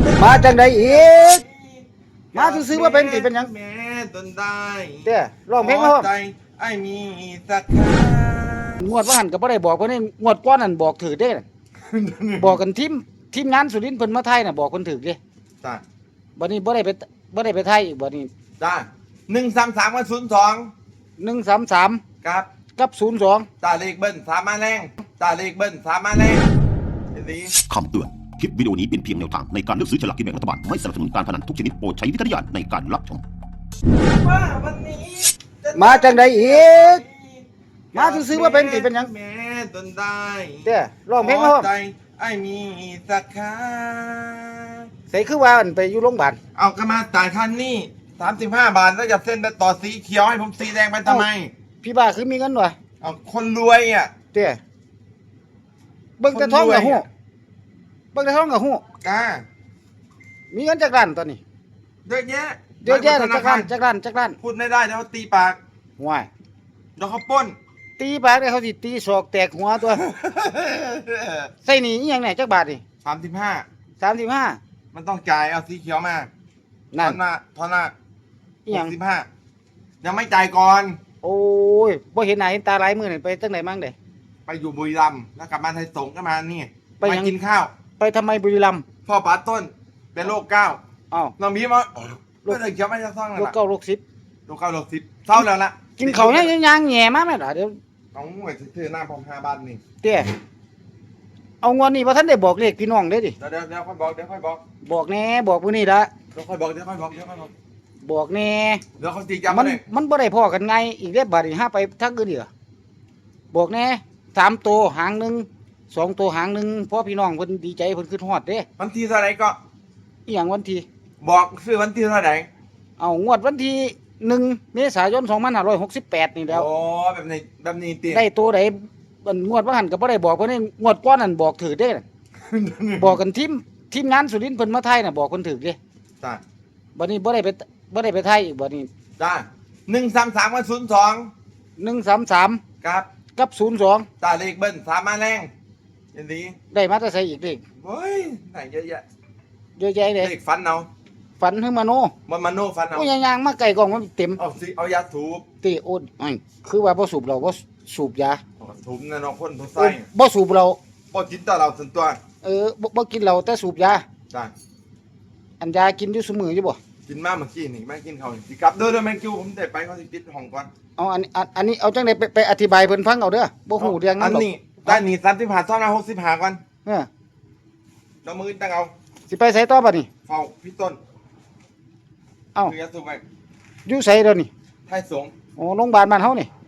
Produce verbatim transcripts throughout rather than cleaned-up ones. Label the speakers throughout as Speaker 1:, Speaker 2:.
Speaker 1: มาจังไดอีกมาซื้อๆว่าเป็นสิเป็นหยัง
Speaker 2: แม่ตนได้
Speaker 1: เด้อร้องเพลงมาพร้อม
Speaker 2: ใจไอ้มีสักครั้ง
Speaker 1: งวดว่าหันก็บ่ได้บอกเพิ่นนี่งวดก่อนนั่นบอกถือเด้น่ะบอกกันทีมทีมงานสุรินทร์เพิ่นมาไทยน่ะบอกเพิ่นถือเด้
Speaker 2: จ้า
Speaker 1: บัดนี้บ่ได้ไปบ่ได้ไปไทยอีกบัดนี้
Speaker 2: จ้าหนึ่งสามสามกับศูนย์สอง
Speaker 1: หนึ่งสามสาม
Speaker 2: ครับ
Speaker 1: กับศูนย์สอง
Speaker 2: ตาเลขเบิ้ลสามมาแรงตาเลขเบิ้ลสามมาแรงเห็นดี
Speaker 3: คำเตือน คลิปวิดีโอนี้เป็นเพียงแนวทางในการเลือกซื้อฉลากกินแบ่งรัฐบาล ไม่สนับสนุนการพนันทุกชนิดโปรดใช้วิจารณญาณในการรับชม
Speaker 2: ว่าวันนี้จะ
Speaker 1: มาจังไดอีกมาซื้อๆว่าเป็นสิเป็นหยัง
Speaker 2: แม่ตนได้
Speaker 1: เด้อร้องเพลงมาพร้อม
Speaker 2: ใจไอ้มีสักครั้ง
Speaker 1: ใส่คือว่าอันไปอยู่โรงพยาบาล
Speaker 2: เอากระมาจ่ายคันนี่สามสิบห้าบาทแล้วจะเส้นไปต่อสีเขียวให้ผมสีแดงไปทำไม
Speaker 1: พี่บ้าคือมีเงินวะ
Speaker 2: เอาคนรวยอ่ะ
Speaker 1: เด้อเบิ่งแต่ท้องกับฮู้
Speaker 2: คนรวยอะ
Speaker 1: เบิ่งแต่ท้องกับฮู้
Speaker 2: กา
Speaker 1: มีเงินจักล้านตอนนี้
Speaker 2: เยอะแยะ
Speaker 1: เยอะแยะเลย
Speaker 2: ธ
Speaker 1: จั
Speaker 2: นาก คา
Speaker 1: ล้าร นจักล้านจักล้าน
Speaker 2: พูดไม่ได้เดี๋ยวเขาตีปาก
Speaker 1: ห่วย
Speaker 2: เดี๋ยวเขาปล้น
Speaker 1: ตีปากได้เขาสิตีศอกแตกหัวตัว ใส่หนีอีหยังไหนจักบาทนี่
Speaker 2: สามสิบห้า
Speaker 1: สามสิบห้า
Speaker 2: มันต้องจ่ายเอาสีเขียวมา
Speaker 1: นั่น
Speaker 2: ทอนหน้าทอนหน้า
Speaker 1: อีหยัง
Speaker 2: หกสิบห้ายังไม่จ่ายก่อน
Speaker 1: โอ้ยบ่เห็นหน้าเห็นตาหลายมื้อนี่ไปจังไดมั่งเด้
Speaker 2: ไปอยู่บุรีรัมย์แล้วกลับมาไทยสงฆ์ก็มานี่
Speaker 1: ไปยัง
Speaker 2: มากินข้าว
Speaker 1: ไปทำไมบุรีรัมย์
Speaker 2: พ่อป๋าต้นเป็นโรคเก้า
Speaker 1: อ้าว
Speaker 2: น้องมีมาโรคเขียวไม่จะซ่องแล้ว
Speaker 1: ลูก
Speaker 2: ล่ะ
Speaker 1: เก้าลูกสิบ
Speaker 2: โรคเก้าโรคสิบเศร้าแล้วล่ะ
Speaker 1: กินข้าวยังยังแหย่มาแม่ล่ะเดี๋ยว
Speaker 2: เอาหน่วยถือหน้าพร้อมห้าบาทนี่
Speaker 1: เตี้ยเอางอนนี่บ่ทันได้บอกเลขพี่น้องเด้ดิ
Speaker 2: เดี๋ยวเดี๋ยวเดี๋ยวค่อยบอกเดี๋ยวค่อยบอก
Speaker 1: บอกแน่บอกมื้อนี้ละ
Speaker 2: เดี๋ยวค่อยบอกเดี๋ยวค่อยบอกเดี๋ยวค่อยบอก
Speaker 1: บอกแน่
Speaker 2: เดี๋ยวเขาตีจำ
Speaker 1: มั
Speaker 2: มาน เลย
Speaker 1: มันบ่ได้พ้อกันไงอีกเด้บัดนี้ห้าไปทางอื่นอีกเหรอบอกแน่สามตัวหางหนึงสองตัวหางหนึงเพราะพี่น้องเพิ่นดีใจเพิ่นขึ้นฮอดเด้
Speaker 2: วันที่เท่าไหร่ก็
Speaker 1: อีหยังวันที่
Speaker 2: บอกซื้อวันที่เท่าไหร่
Speaker 1: เอางวดวันที่หนึ่งเมษายนสองพันห้าร้อยหกสิบแปดนี่แล้ว
Speaker 2: โอ้แบบนี้แบบนี้ตี
Speaker 1: ได้ตัวใดอันงวดว่าหันก็บ่ได้บอกเพิ่นนี่งวดก่อนนั่นบอกถือเด้น่ะ บอกกันทีมทีมงานสุรินทร์เพิ่นมาไทยน่ะบอกเพิ่นถือเด้
Speaker 2: จ้า
Speaker 1: บัดนี้บ่ได้ไปบ่ได้ไปไทยอีกบัดนี้
Speaker 2: จ้าหนึ่งสามสามกับศูนย์สอง
Speaker 1: หนึ่งสามสาม
Speaker 2: ครับ
Speaker 1: กับศูนย์สอง
Speaker 2: ตาเลขเบิ้ลสามมาแรงเห็นดี
Speaker 1: ได้มาแต่ใส่อีกเลข
Speaker 2: เฮ้ยไหนเยอะแยะ
Speaker 1: เยอะแยะเลย
Speaker 2: เลขฟันเอา
Speaker 1: ฝันถึงมาโน
Speaker 2: มันมาโน่ฟันเอา
Speaker 1: โอ้ยยางๆมาไกลกล่องมันเต็ม
Speaker 2: เอาสิเอายาสูบ
Speaker 1: ติโอนอ้ายคือว่าบ่สูบเราบ่สูบยา
Speaker 2: เอาสูบนะน้องคนทุก
Speaker 1: เอ
Speaker 2: ไส้
Speaker 1: อบ่สูบเรา
Speaker 2: บ่จินต่อเราส่วนตัว
Speaker 1: เออบ่บ่กินเหล้าแต่สูบยา
Speaker 2: จ้า
Speaker 1: อันยากินอยู่ซุมื้ออยู่บ่
Speaker 2: กินมากเมื่อกี้นี่แม่กินเขาวสิกลับเด้อเด้อแม่กิ้วผมได้ไปเขาสิปิดห้องก่อน
Speaker 1: เอาอันอันอันนี้เอาจังได๋ไปไปอธิบายเพิ่นฟังเอาเด้อบ่ฮู้เรื่อง
Speaker 2: อั
Speaker 1: นั้น นหรอก
Speaker 2: นี้ได้นี่สามสิบห้าซ่อมนะหกสิบห้าก่อน
Speaker 1: เออ
Speaker 2: เรามือตั้งเอา
Speaker 1: สิไปไสต่อบัดนี้
Speaker 2: เฝ้าพี่ต้น
Speaker 1: เอ้า
Speaker 2: คือยาสูบไป
Speaker 1: อยู่ไสเดี๋ยวนี้
Speaker 2: ไทยสงฆ์
Speaker 1: โอ้โรงพยาบาลบ้านเฮานี่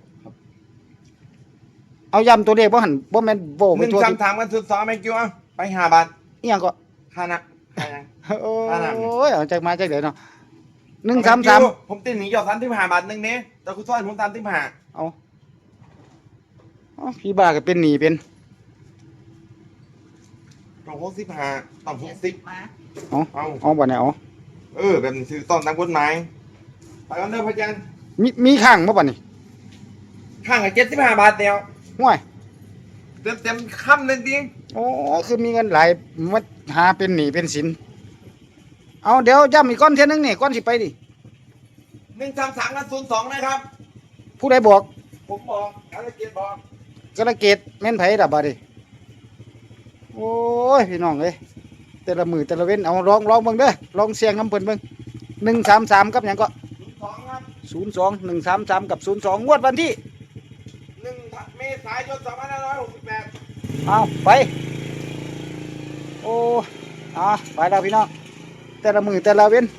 Speaker 1: เอาย้ำตัวเลขบ่หั่นบ่แม่นโว้
Speaker 2: ห
Speaker 1: ไป
Speaker 2: นึ่ง
Speaker 1: ทั่ว
Speaker 2: สาม
Speaker 1: ที่
Speaker 2: ถามกันสุดสองแม่กิ้วเอาไปห้าบาท
Speaker 1: อีหยังก็
Speaker 2: ค่านะค่ายัง
Speaker 1: โอ้
Speaker 2: อ่าน่ะ
Speaker 1: ยเอาจักมาจักเดี๋ยวเนาะหนึ่งสามสาม
Speaker 2: ผมติดหนีหยอดสามสิบห้าบาทหนึ่งเนี้ยแต่คุณซ้อนผมสามสิบห้า
Speaker 1: เอาเอาพี่บ้าก็เป็นหนี้เป็น
Speaker 2: ต้องหกสิบห้าต้องหกสิบ
Speaker 1: เอา
Speaker 2: เอา
Speaker 1: เอาบ่เนี่ยเอา
Speaker 2: เออแบบนี้คือต้องตามกฎหมายไปกันเด้อพระอาจารย์
Speaker 1: มีมีข้างบ่บัดนี้
Speaker 2: ข้างกับเจ็ดสิบห้าบาทเดียว
Speaker 1: ห่วย
Speaker 2: เต็มเต็มๆค่ำเลยจริง
Speaker 1: โอ้คือมีเงินหลายมาหาเป็นหนี้เป็นสินเอาเดี๋ยวย้ำอีกก้อนเท่ยนึงนี่ก้อนสิไปดิ
Speaker 2: หนึ่งสามสามกับศูนย์สองนะครับ
Speaker 1: ผู้ใดบอก
Speaker 2: ผมบอกการเกียรติบอก
Speaker 1: กระเกตแม่นไผล่ะบัดนี้โอ้ยพี่น้องเอ้ยแต่ละมือแต่ละเว้นเอาลองลองเบิ่งเด้อลองเสียงน้ำเพิ่นเบิ่งหนึ่งสามสามกับหยังก็
Speaker 2: ศูนย์สองครับ
Speaker 1: ศูนย์สองหนึ่งสามสามกับศูนย์สองงวดวันที่
Speaker 2: หนึ่งเมษายนสองพันห้าร้อยหกสิบแปด
Speaker 1: เอาไปโอ้เอาไปแล้วพี่น้องแต่ละมือแต่ละเว้น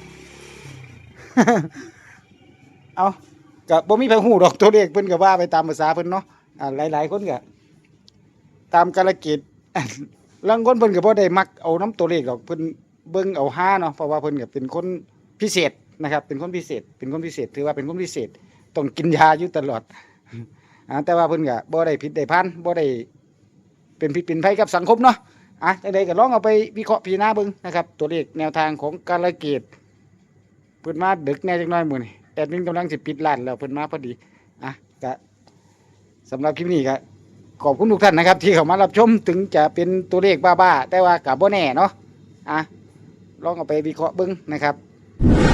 Speaker 1: เอากับบ่มีไผฮู้ดอกตัวเลขเพิ่นก็ว่าไปตามภาษาเพิ่นเนาะอ่าหลายๆคนก็ตามกาลเกต ลางคนเพิ่นก็บ่ได้มักเอาน้ำตัวเลขดอกเพิ่นเบิ่งเอาห้าเนาะเพราะว่าเพิ่นก็เป็นคนพิเศษนะครับเป็นคนพิเศษเป็นคนพิเศษถือว่าเป็นคนพิเศษต้องกินยาอยู่ตลอด อ่าแต่ว่าเพิ่นก็บ่ได้ผิดได้พันบ่ได้เป็นผิดเป็นภัยกับสังคมเนาะอ่ะจังไดก็ลองเอาไปวิเคราะห์พิจารณาเบิ่งนะครับตัวเลขแนวทางของกาลเกตเพิ่นมาดึกแน่จักหน่อยมื้อนี้แอดมินกำลังสิปิดร้านแล้วเพิ่นมาพอดีอ่ะก็สำหรับคลิปนี้ก็ขอบคุณทุกท่านนะครับ ที่เข้ามารับชมถึงจะเป็นตัวเลขบ้าๆแต่ว่าก็บ่แน่เนาะอ่ะลองเอาไปวิเคราะห์เบิ่งนะครับ